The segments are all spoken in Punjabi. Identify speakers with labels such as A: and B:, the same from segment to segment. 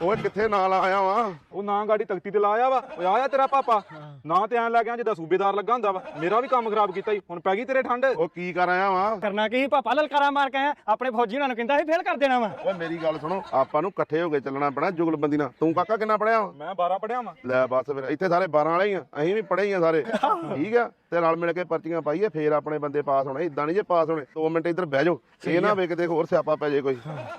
A: ਓਏ ਕਿੱਥੇ ਨਾਲ ਆਇਆ ਵਾ?
B: ਉਹ ਨਾ ਗਾੜੀ ਤਖਤੀ ਤੇ ਲਾਇਆ ਵਾ। ਓਏ ਆਇਆ ਤੇਰਾ ਪਾਪਾ ਨਾ ਤੇ ਐਂ ਲੱਗ ਗਿਆ ਜਿੱਦਾਂ ਸੂਬੇਦਾਰ ਲੱਗਾ ਹੁੰਦਾ ਵਾ। ਮੇਰਾ ਵੀ ਕੰਮ ਖਰਾਬ ਕੀਤਾ ਈ, ਹੁਣ ਪੈ ਗਈ ਤੇਰੇ ਠੰਡ।
A: ਉਹ ਕੀ ਕਰ ਆਇਆ ਵਾ?
C: ਕਰਨਾ ਕੀ ਪਾਪਾ, ਲਲਕਾਰਾ ਮਾਰ ਕੇ ਆਇਆ। ਆਪਣੇ ਫੌਜੀ ਉਹਨਾਂ ਨੂੰ ਕਹਿੰਦਾ ਸੀ ਫੇਲ ਕਰ ਦੇਣਾ ਵਾ।
A: ਓਏ ਮੇਰੀ ਗੱਲ ਸੁਣੋ, ਆਪਾਂ ਨੂੰ ਇਕੱਠੇ ਹੋ ਕੇ ਚੱਲਣਾ ਪੈਣਾ ਜੁਗਲਬੰਦੀ ਨਾਲ। ਤੂੰ ਕਾਕਾ ਕਿੰਨਾ ਪੜਿਆ ਵਾ?
B: ਮੈਂ 12 ਪੜਿਆ ਵਾ।
A: ਲੈ ਬਸ ਫਿਰ ਇੱਥੇ ਸਾਰੇ 12 ਵਾਲੇ ਹੀ ਆ, ਅਸੀਂ ਵੀ ਪੜ੍ਹੇ ਹੀ ਆ ਸਾਰੇ। ਠੀਕ ਆ, ਤੇ ਨਾਲ ਮਿਲ ਕੇ ਪਰਚੀਆਂ ਪਾਈਏ, ਫੇਰ ਆਪਣੇ ਬੰਦੇ ਪਾਸ ਹੋਣੇ। ਇਦਾਂ ਨਹੀਂ ਜੇ ਪਾਸ ਹੋਣੇ। 2 ਮਿੰਟ ਇੱਧਰ ਬਹਿ ਜਾਓ, ਇਹ ਨਾ ਵੇ ਕਿਤੇ ਹੋਰ ਸਿਆਪਾ ਪੈ ਜੇ ਕੋਈ।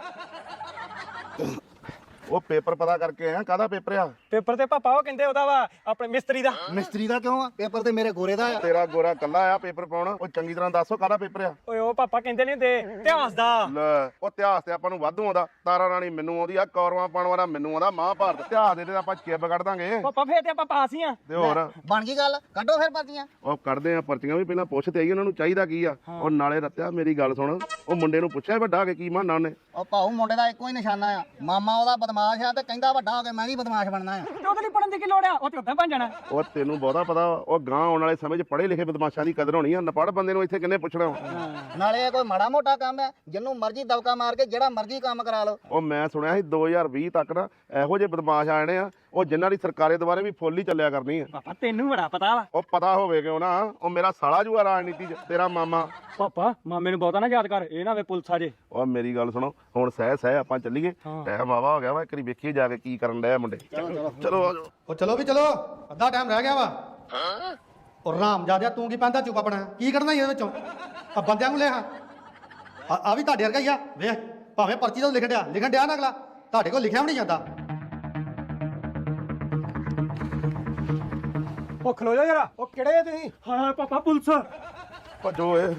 A: ਉਹ ਪੇਪਰ ਪਤਾ ਕਰਕੇ ਆਇਆ, ਕਾਹਦਾ ਪੇਪਰ ਆ?
C: ਪੇਪਰ ਤੇ ਪਾਪਾ ਉਹ ਕਹਿੰਦੇ ਉਹਦਾ ਵਾ ਆਪਣੇ ਮਿਸਤਰੀ ਦਾ।
D: ਮਿਸਤਰੀ ਦਾ ਕਿਉਂ ਆ? ਪੇਪਰ ਤੇ ਮੇਰੇ ਗੋਰੇ ਦਾ ਆ।
A: ਤੇਰਾ ਗੋਰਾ ਕੱਲਾ ਆ ਪੇਪਰ ਪਾਉਣ? ਉਹ ਚੰਗੀ ਤਰ੍ਹਾਂ ਦੱਸੋ ਕਾਹਦਾ ਪੇਪਰ ਆ?
C: ਓਏ ਉਹ ਪਾਪਾ ਕਹਿੰਦੇ ਨਹੀਂ ਹੁੰਦੇ ਇਤਿਹਾਸ ਦਾ।
A: ਲੈ ਉਹ ਇਤਿਹਾਸ ਤੇ ਆਪਾਂ ਨੂੰ ਵਾਧੂ ਆਉਂਦਾ। ਤਾਰਾ ਰਾਣੀ ਮੈਨੂੰ ਆਉਂਦੀ ਆ, ਕੌਰਵਾਂ ਪਾਉਣ ਵਾਲਾ ਮੈਨੂੰ ਆਉਂਦਾ, ਮਹਾਭਾਰਤ ਇਤਿਹਾਸ ਦੇ ਤੇ ਆਪਾਂ ਚਿੱਬ ਕੱਢ ਦਾਂਗੇ।
C: ਪਾਪਾ ਫੇਰ ਤੇ ਆਪਾਂ ਪਾਸ ਹੀ ਆ।
A: ਤੇ ਹੋਰ
D: ਬਣ ਗਈ ਗੱਲ, ਕੱਢੋ ਫਿਰ ਪਰਚੀਆਂ।
A: ਉਹ ਕੱਢਦੇ ਆ ਪਰਚੀਆਂ ਵੀ, ਪਹਿਲਾਂ ਪੁੱਛ ਤੇ ਆਈ ਉਹਨਾਂ ਨੂੰ ਚਾਹੀਦਾ ਕੀ ਆ। ਉਹ ਨਾਲੇ ਰੱਤਿਆ ਮੇਰੀ ਗੱਲ ਸੁਣ, ਉਹ ਮੁੰਡੇ ਨੂੰ ਪੁੱਛਿਆ ਵੱਡਾ ਕੇ ਕੀ ਮਾਨਾ ਉਹਨੇ?
D: ਉਹ ਭਾਊ ਮੁੰਡੇ ਦਾ ਇੱਕੋ ਹੀ ਨਿਸ਼ਾਨਾ ਆ, ਮਾਮਾ ਉਹਦਾ ਬਦਮਾਸ਼ ਆ ਤੇ ਕਹਿੰਦਾ ਵੱਡਾ ਹੋ ਕੇ ਮੈਂ ਵੀ ਬਦਮਾਸ਼ ਬਣਨਾ ਆ।
C: ਤੇ ਉਹਦੇ ਲਈ ਪੜਨ ਦੀ ਕੀ ਲੋੜ ਆ? ਉਹ ਤੇ ਉਦਾਂ ਬਣ ਜਾਣਾ।
A: ਉਹ ਤੈਨੂੰ ਬਹੁਤਾ ਪਤਾ ਵਾ, ਉਹ ਗਾਂ ਆਉਣ ਵਾਲੇ ਸਮੇਂ 'ਚ ਪੜ੍ਹੇ ਲਿਖੇ ਬਦਮਾਸ਼ਾਂ ਦੀ ਕਦਰ ਹੋਣੀ ਆ। ਨਪੜ ਬੰਦੇ ਨੂੰ ਇੱਥੇ ਕਿੰਨੇ ਪੁੱਛਣਾ ਵਾ?
D: ਨਾਲੇ ਇਹ ਕੋਈ ਮਾੜਾ ਮੋਟਾ ਕੰਮ ਹੈ, ਜਿਹਨੂੰ ਮਰਜ਼ੀ ਦਬਕਾ ਮਾਰ ਕੇ ਜਿਹੜਾ ਮਰਜ਼ੀ ਕੰਮ ਕਰਾ ਲਓ।
A: ਉਹ ਮੈਂ ਸੁਣਿਆ ਸੀ 2020 ਤੱਕ ਨਾ ਇਹੋ ਜਿਹੇ ਬਦਮਾਸ਼ ਆ ਜਾਣੇ ਆ, ਉਹ ਜਿਨ੍ਹਾਂ ਦੀ ਸਰਕਾਰੇ ਦੁਆਰੇ ਵੀ ਫੁੱਲ ਹੀ ਚੱਲਿਆ ਕਰਨੀ ਆ।
C: ਪਾਪਾ ਤੈਨੂੰ ਬੜਾ ਪਤਾ ਵਾ।
A: ਉਹ ਪਤਾ ਹੋਵੇ ਕਿਉਂ ਨਾ, ਉਹ ਮੇਰਾ ਸਾਲਾ ਜੂਆ ਰਾਜਨੀਤੀ 'ਚ, ਤੇਰਾ ਮਾਮਾ।
C: ਪਾਪਾ ਮਾਮੇ ਨੂੰ ਬਹੁਤਾ ਨਾ ਯਾਦ ਕਰ, ਇਹ ਨਾ ਵੇ ਪੁਲਿਸ ਆ ਜੇ।
A: ਉਹ ਮੇਰੀ ਗੱਲ ਸੁਣੋ, ਹੁਣ ਸਹਿ ਆਪਾਂ ਚੱਲੀਏ। ਟਾਈਮ ਆਵਾ ਹੋ ਗਿਆ ਵਾ, ਇੱਕ ਵਾਰੀ ਵੇਖੀਏ ਜਾ ਕੇ ਕੀ ਕਰਨ ਡਿਆ ਮੁੰਡੇ। ਚਲੋ ਆ ਜਾਓ।
E: ਉਹ ਚਲੋ ਵੀ ਚਲੋ, ਅੱਧਾ ਟਾਈਮ ਰਹਿ ਗਿਆ ਵਾ। ਉਹ ਰਾਮ ਜਾਦਿਆ ਤੂੰ ਕੀ ਪੈਂਦਾ ਚੁੱਪ ਆਪਣਾ, ਕੀ ਕਰਨਾ ਇਹਦੇ ਵਿੱਚੋਂ? ਆ ਬੰਦਿਆਂ ਨੂੰ ਲੈ ਆ ਵੀ ਤੁਹਾਡੇ ਵਰਗਾ ਹੀ ਆ। ਵੇਖ ਭਾਵੇਂ ਪਰਚੀ ਤੋਂ ਲਿਖਣ ਡਿਆ ਨਾ ਅਗਲਾ, ਤੁਹਾਡੇ ਕੋਲ ਲਿਖਿਆ ਵੀ ਨਹੀਂ ਜਾਂਦਾ।
C: ਉਹ ਖਲੋ ਜਾ ਜਰਾ। ਉਹ ਕਿਹੜੇ ਆ ਤੁਸੀਂ? ਹਾਂ ਪਾਪਾ ਪੁਲਿਸ।
A: ਭੱਜੋ ਏ।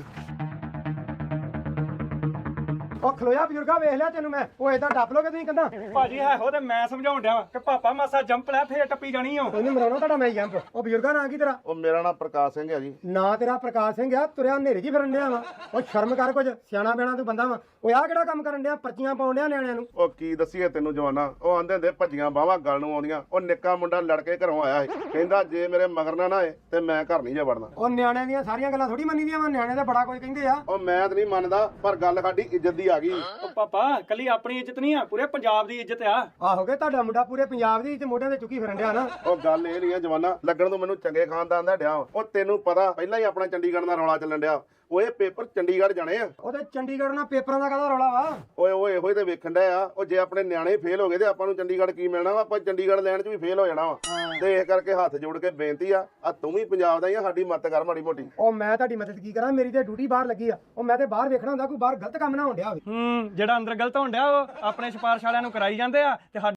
C: ਉਹ ਖਲੋਇਆ ਬਜ਼ੁਰਗਾ, ਵੇਖ ਲਿਆ ਤੈਨੂੰ ਮੈਂ। ਉਹ ਏਦਾਂ ਟੱਪ ਲੋਗੇ ਤੁਸੀਂ ਕੰਦਾ? ਭਾਜੀ ਹੈ ਉਹ ਤੇ ਮੈਂ ਸਮਝਾਉਣ ਡਿਆ ਵਾ ਕਿ ਪਾਪਾ ਮਾਸਾ ਜੰਪ ਲੈ ਫੇਰ ਟੱਪੀ ਜਾਣੀ ਓ। ਉਹਨੂੰ ਮਰਾਉਣਾ ਤੁਹਾਡਾ ਮੈਂ ਜੰਪ। ਉਹ ਬਜ਼ੁਰਗਾ ਨਾਂ ਕੀ ਤੇਰਾ?
A: ਉਹ ਮੇਰਾ ਨਾਮ ਪ੍ਰਕਾਸ਼ ਸਿੰਘ ਹੈ ਜੀ।
C: ਨਾਂ ਤੇਰਾ ਪ੍ਰਕਾਸ਼ ਸਿੰਘ ਆ, ਤੁਰਿਆ ਹਨੇਰੇ ਜੀ ਫਿਰਨ ਡਿਆ ਵਾ। ਉਹ ਸ਼ਰਮ ਕਰ, ਕੁਝ ਸਿਆਣਾ ਬਿਆਣਾ ਤੂੰ ਬੰਦਾ ਵਾ। ਉਹ ਆਹ ਕਿਹੜਾ ਕੰਮ ਕਰਨ ਡਿਆ? ਪਰਚੀਆਂ ਪਾਉਣ ਡਿਆ ਨਿਆਣਿਆਂ ਨੂੰ।
A: ਉਹ ਕੀ ਦੱਸੀਏ ਤੈਨੂੰ ਜਵਾਨਾ, ਉਹ ਆਂਦੇ ਹੁੰਦੇ ਭੱਜੀਆਂ ਬਾਹਾਂ ਗੱਲ ਨੂੰ ਆਉਂਦੀਆਂ। ਉਹ ਨਿੱਕਾ ਮੁੰਡਾ ਲੜ ਕੇ ਘਰੋਂ ਆਇਆ ਸੀ, ਕਹਿੰਦਾ ਜੇ ਮੇਰੇ ਮਗਰ ਨਾ ਆਏ ਤੇ ਮੈਂ ਘਰ ਨਹੀਂ ਜਾ ਵੜਨਾ।
C: ਉਹ ਨਿਆਣਿਆਂ ਦੀਆਂ ਸਾਰੀਆਂ ਗੱਲਾਂ ਥੋੜੀ ਮੰਨੀ ਦੀਆਂ ਵਾ, ਨਿਆਣੇ ਦਾ ਬੜਾ ਕੁਝ ਕਹਿੰਦੇ ਆ।
A: ਉਹ ਮੈਂ ਤਾਂ ਨਹੀਂ ਮੰਨਦਾ, ਪਰ ਗੱਲ ਸਾਡੀ ਇੱਜ਼ਤ ਦੀ ਆ ਗਈ।
C: ਉਹ ਪਾਪਾ ਕੱਲੀ ਆਪਣੀ ਇੱਜ਼ਤ ਨਹੀਂ ਆ, ਪੂਰੇ ਪੰਜਾਬ ਦੀ ਇੱਜ਼ਤ ਆ। ਆਹੋਗੇ ਤੁਹਾਡਾ ਮੁੰਡਾ ਪੂਰੇ ਪੰਜਾਬ ਦੀ ਇੱਜ਼ਤ ਮੋਢਿਆਂ ਤੇ ਚੁੱਕੀ ਫਿਰਨ ਡਿਆ ਨਾ।
A: ਉਹ ਗੱਲ ਇਹ ਨਹੀਂ ਆ ਜਵਾਨਾ, ਲੱਗਣ ਤੋਂ ਮੈਨੂੰ ਚੰਗੇ ਖਾਨਦਾਨ ਦਾ ਡਿਆ। ਉਹ ਤੈਨੂੰ ਪਤਾ ਪਹਿਲਾਂ ਹੀ ਆਪਣਾ ਚੰਡੀਗੜ੍ਹ ਦਾ ਰੌਲਾ ਚੱਲਣ ਡਿਆ। ਉਹ ਇਹ ਪੇਪਰ ਚੰਡੀਗੜ੍ਹ ਜਾਣੇ ਆ।
C: ਉਹਦੇ ਚੰਡੀਗੜ੍ਹ ਨਾਲ ਪੇਪਰਾਂ ਦਾ ਕਾਹਦਾ ਰੌਲਾ ਵਾ?
A: ਓਏ ਓਏ ਇਹੋ ਹੀ ਤੇ ਵੇਖਣ ਡਿਆ ਆ। ਉਹ ਜੇ ਆਪਣੇ ਨਿਆਣੇ ਫੇਲ ਹੋ ਗਏ ਤੇ ਆਪਾਂ ਨੂੰ ਚੰਡੀਗੜ੍ਹ ਕੀ ਮਿਲਣਾ ਵਾ? ਆਪਾਂ ਚੰਡੀਗੜ੍ਹ ਲੈਣ 'ਚ ਵੀ ਫੇਲ ਹੋ ਜਾਣਾ ਵਾ। ਤੇ ਇਸ ਕਰਕੇ ਹੱਥ ਜੋੜ ਕੇ ਬੇਨਤੀ ਆ ਤੂੰ ਵੀ ਪੰਜਾਬ ਦਾ ਹੀ ਆ, ਸਾਡੀ ਮਦਦ ਕਰ ਮਾੜੀ ਮੋਟੀ।
C: ਉਹ ਮੈਂ ਤੁਹਾਡੀ ਮਦਦ ਕੀ ਕਰਾਂ, ਮੇਰੀ ਤੇ ਡਿਊਟੀ ਬਾਹਰ ਲੱਗੀ ਆ। ਉਹ ਮੈਂ ਤੇ ਬਾਹਰ ਵੇਖਣਾ ਹੁੰਦਾ ਕੋਈ ਬਾਹਰ ਗਲਤ ਕੰਮ ਨਾ ਹੋਣ ਡਿਆ ਹੋਵੇ। ਜਿਹੜਾ ਅੰਦਰ ਗਲਤ ਹੋਣ ਡਿਆ ਉਹ ਆਪਣੇ ਸਿਫਾਰਿਸ਼ ਵਾਲਿਆਂ ਨੂੰ ਕਰਾਈ ਜਾਂਦੇ ਆ ਤੇ